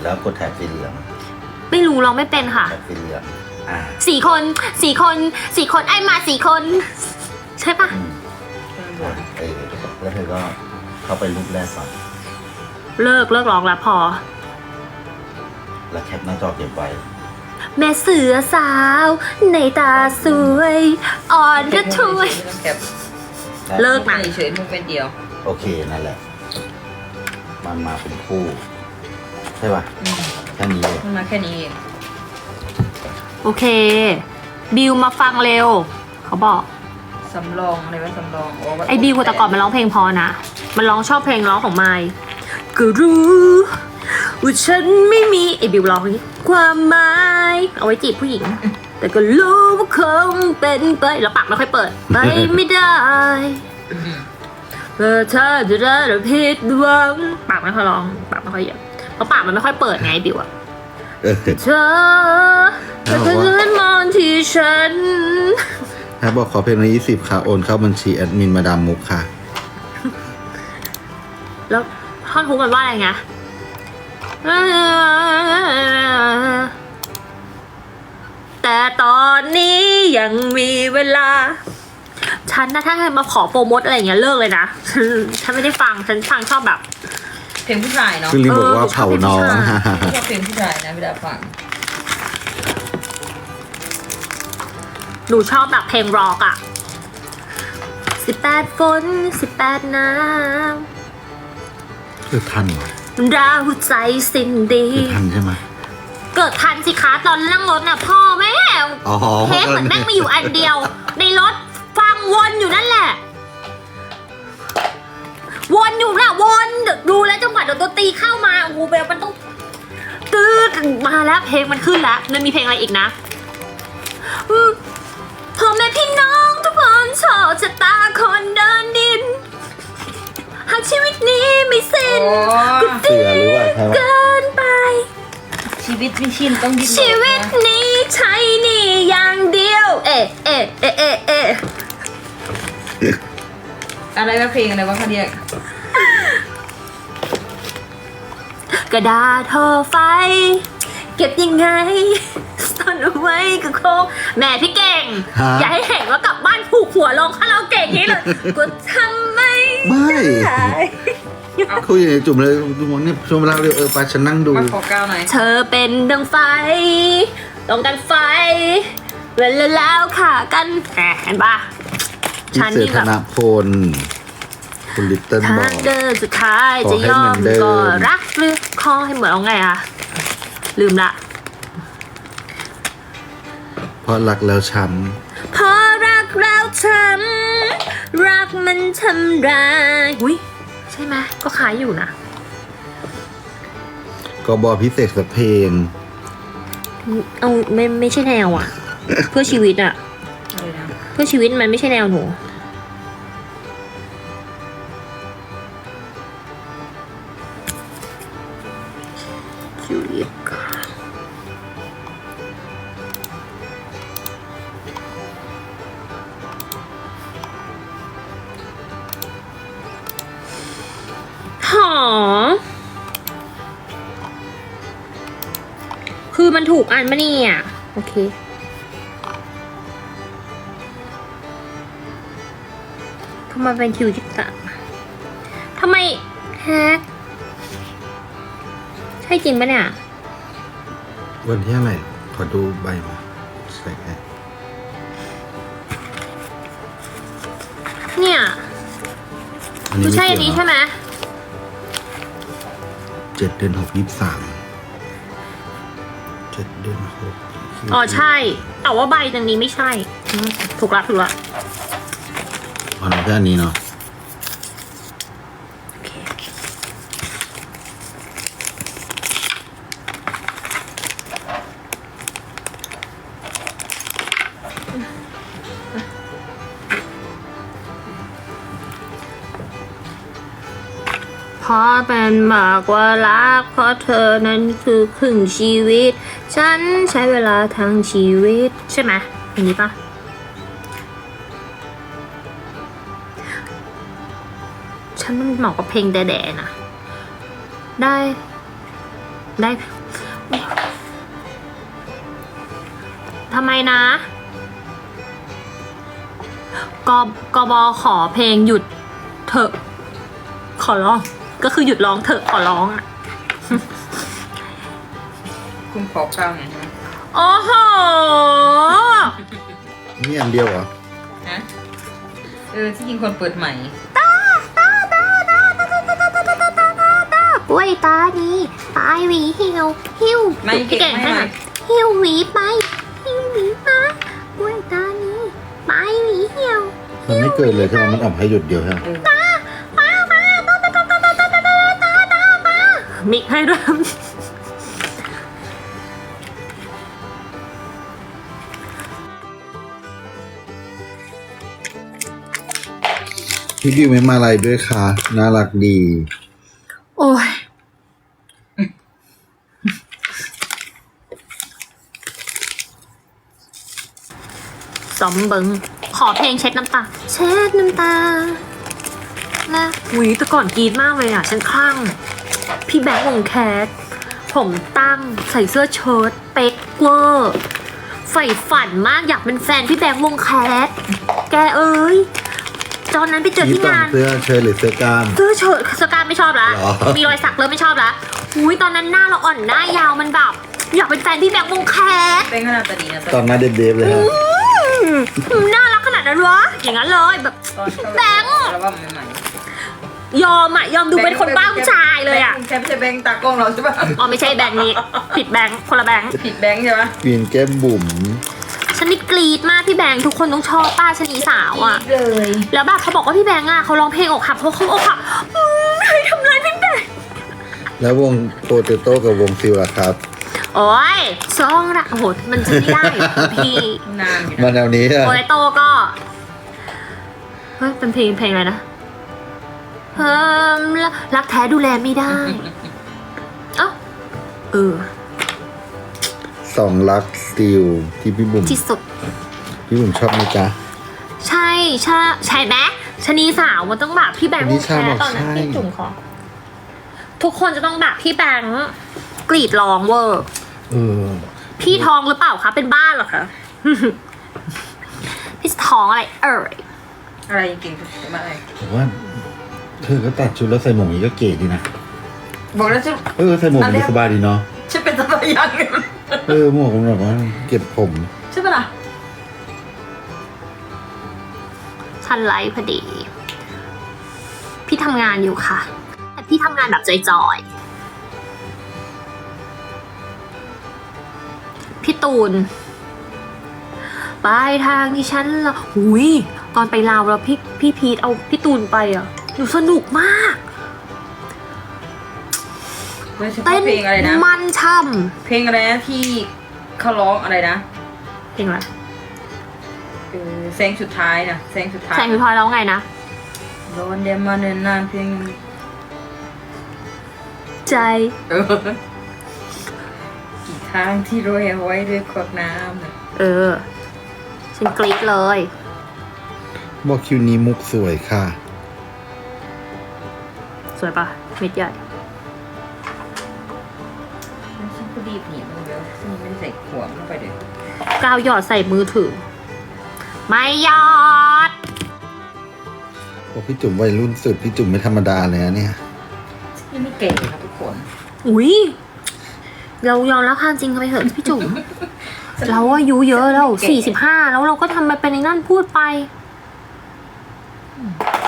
แล้วกดแถบสีเหลืองไม่รู้ร้องไม่เป็นค่ะแถบสีเหลืองสี่คนไอ้มา4 คน ใช่ปะแล้วเธอก็เข้าไปรูปแรกก่อนเลิกร้องแล้วพอแล้วแคปหน้าจอเก็บไว้แม่เสือสาวในตาสวย อ่อนกระช่วย เลิกนะเฉยๆมันเป็นเดียวโอเคนั่นแหละมันมาเป็นคู่ใช่ป่ะแค่นี้เลยมันมาแค่นี้เองโอเค บิวมาฟังเร็ว เขาบอกสำรองอะไรวะสำรองว่าไอ้บิวแต่ก่อนมันร้องเพลงพอนะ มันร้องชอบเพลงร้องของไมค์ก็รู้ว่าฉันไม่มีไอ้บิวร้องนี้ความหมายเอาไว้จีบผู้หญิง แต่ก็รู้ว่าคงเป็นไปแล้วปากไม่ค่อยเปิดไปไม่ได้ถ้าจะได้เราผิดหวังปากไม่ค่อยร้องปากไม่ค่อยเยอะเพราะปากมันไม่ค่อยเปิดไงบิวอะเธอแต่เธอมองที่ฉันถ้าบอกขอเพลงละ20ค่ะโอนเข้าบัญชีแอดมินมาดามมุกค่ะแล้วท่อนฮุกมันว่าอะไรไงแต่ตอนนี้ยังมีเวลา ฉันนะถ้าใครมาขอโปรโมทอะไรอย่างเงี้ยเลิกเลยนะ ฉันไม่ได้ฟัง ฉันฟังชอบแบบเพลงผู้ชายเนาะคือลิบอกว่าเผาน้องชอบเพลงผู้ชายนะเวลาฟังหนูชอบแบบเพลงร็อกอะ18 ฝน 18 น้ำคือทันเหรอดาวใจสิ้นดีคือทันใช่ไหมเกิดทันสิคะตอนนั่งรถน่ะพ่อแม่อ๋อเทปเหมือนแม่งมีอยู่อันเดียว ในรถฟังวนอยู่นั่นแหละ วนอยู่น่ะวนดูแล้วจังหวะดนตรีเข้ามาโอ้โหแบบมันต้องตืดมาแล้วเพลงมันขึ้นแล้วมันมีเพลงอะไรอีกนะพ่อแม่พี่น้องทุกคนชอบชะตาคนเดินดินหากชีวิตนี้ไม่สิ้นก็เสือหรือว่าใช่ไหมเกินไปชีวิตไม่ชินต้องดิ้นรนชีวิตนี้ใช้นี่อย่างเดียว เอะเอะเอะเอะเอะอะไรวะเพลงอะไรวะเขาเรียกกระดาษห่อไฟ เก็บยังไงซ่อนเอาไว้ก็คงแม่พี่เก่งฮะอย่าให้เห็นว่ากลับบ้านผูกหัวลงคาราโอเกะอย่างนี้เลยก็ทำไม่ไม่ได้คุยอย่างจุ่มเลยดูมองเนี่ยช่วงเวลาเร็วไปฉันนั่งดูมาขอก้าวหน่อยเธอเป็นดังไฟต้องการไฟ เวลาแล้วค่ะกันเห็นปะพี่ฉันเสือนี่ธแบบนพลคุณลิตเติ้ลบทาอง กเดินสุดท้ายขอจะให้ยอเหมืมอนเดิมก็รักหรือขอให้เหมือนเอาไงอะลืมละเพราะรักแล้วช้เพราะรักแล้วช้ำรักมันทำร้ายอุ้ยใช่ไหมก็ขายอยู่นะำก็บอพิเศษสักเพลงเอาไม่ใช่แนวอะ เพื่อชีวิตอะอะไรนะเพื่อชีวิตมันไม่ใช่แนวหนูจูเลียกาหอคือมันถูกอันมะเนี่ยโอเคทำไมเป็นคิวที่ต่างทำไมแฮกใช่จริงปะเนี่ยวันที่อะไรขอดูใบมาใส่ให้เนี่ยคือใช่อันนี้ใช่ไหม 7 เดือน 6 23 7 เดือน 6 อ๋อใช่ แต่ว่าใบตรงนี้ไม่ใช่ถูกละอ๋อแค่อันนี้เนาะโอเคเพราะเป็นมากกว่ารักเพราะเธอนั้นคือครึ่งชีวิต ฉันใช้เวลาทั้งชีวิตใช่ไหมอันนี้ปะฉันมันเหมาะกับเพลงแด่ๆนะได้ได้ทำไมนะกบขอเพลงหยุดเถอะขอร้องก็คือหยุดร้องเถอะขอร้องอ่ะคุณขอข้าวหน่อยใช่ไหมโอ้โหนี่อันเดียวเหรอฮะที่จริงคนเปิดใหม่กล้วยตานี้ปลายหวีหิวพี่เก่งให้หน่อยหิวหวีไปหิวหวีมากล้วยตานี้ปลายหวีหิวมันไม่เกิดเลยใช่ไหมมันออกให้หยุดเดียวใช่ไหมมิกให้ด้วยพี่ดิวไม่มาอะไรด้วยค่ะน่ารักดีโอ้ยสมเบิงขอเพลงเช็ดน้ำตา เช็ดน้ำตานะหุยแต่ก่อนกรีดมากเลยอ่ะ ฉันคลั่ง พี่แบงค์วงแคสผมตั้งใส่เสื้อเชิ้ตเป๊กเวอร์ใฝ่ฝันมากอยากเป็นแฟนพี่แบงค์วงแคสแกเอ้ยตอนนั้นไปเจอนี่ที่ต่องงานเสื้อเชิ้ตหรือเสื้อกล้ามเสื้อเชิ้ตสการไม่ชอบละหรอมีรอยสักเริ่มไม่ชอบละอุ้ยตอนนั้นหน้าเราอ่อนหน้ายาวมันแบบอยากเป็นแฟนพี่แบงค์วงแคสเป็นขนาดตาดีนะตอนหน้าเด็บๆเลยฮะน่ารักขนาดนั้นวะอย่างนั้นเลยแบบตอนเข้าแบงค์แล้วว่าใหม่ยอมดูเป็นคนบ้าผู้ชายเลยอ่ะแค่ไม่ใช่แบงค์ตากล้องเราใช่ปะอ๋อไม่ใช่แบงค์นี้ผิดแบงค์คนละแบงค์ผิดแบงค์ใช่ปะกรีนแก้มบุ๋มฉันนี่กรี๊ดมากพี่แบงค์ทุกคนต้องชอบป้าชนีสาวอ่ะเลยแล้วแบบเขาบอกว่าพี่แบงค์อ่ะเขาร้องเพลงอกหักเพราะเขาอกหักใครทำร้ายพี่แบงค์แล้ววงโปเตโต้กับวงซิลล่ะครับโอ้ยซองละโอ้โหมันจะไม่ได้พี่นานอยู่มานะแนวนี้อะโอเลโตก็เฮ้ยเป็นเพลงอะไรนะรักแท้ดูแลไม่ได้เอ้าเออสองรักสติลที่พี่บุ๋มที่สุดพี่บุ๋มชอบไหมจ๊ะใช่ไหมชะนีสาวมันต้องแบบพี่แบงค์อันนี้วงใช่แคบสอกตอนนั้นใช่พี่จุ๋มขอทุกคนจะต้องแบบพี่แบงค์กรีดร้องเวอร์เออพี่ท้องหรือเปล่าคะเป็นบ้าเหรอคะ พี่ท้องอะไรยอะไรเก่งสุดมาอะไรผมว่าเธอก็ตัดชุดแล้วใส่หมวกนี้ก็เก๋ดีนะบอกแล้วจะใส่หมวกมันสบายดีเนาะฉันเป็นสบายยังเนี่ยหมวกมันแบบว่าเก็บผมใช่ปะล่ะทันไลฟ์พอดี พี่ทำงานอยู่ค่ะ แต่พี่ทำงานแบบจอยๆพี่ตูนปลายทางที่ฉันละหุยตอนไปลาวแล้วพี่พีทเอาพี่ตูนไปอ่ะหนูสนุกมากโดยเฉเต้พาะนเพลงอะไรนะมันช่เพลงอะไรนะที่เขาร้องอะไรนะำเพลงอะไรแสงสุดท้ายนะแสงสุดท้ายแสงสุดท้ายแล้วไงนะร้อนเดมาเนินนานเพลงใจกี่ทางที่โรยเอาไว้ด้วยขวดน้ำน่ะฉันกรี๊ดเลยบอกคิวนี้มุกสวยค่ะสวยปะเม็ดใหญ่แล้วฉันก็รีบหนีมันเยอะซึ่งไม่ได้ใส่ขวดเข้าไปเลยกาวหยอดใส่มือถือ ไม่หยอดบอกพี่จุ๋มวัยรุ่นสุดพี่จุ๋มไม่ธรรมดาเลยนะเนี่ยนี่ไม่เก่งครับทุกคนอุ๊ย เรายอมรับความจริงกันไปเถอะพี่จุ๋ม เราอายุเยอะแล้ว45แล้วเราก็ทำมาเป็นในนั่นพูดไป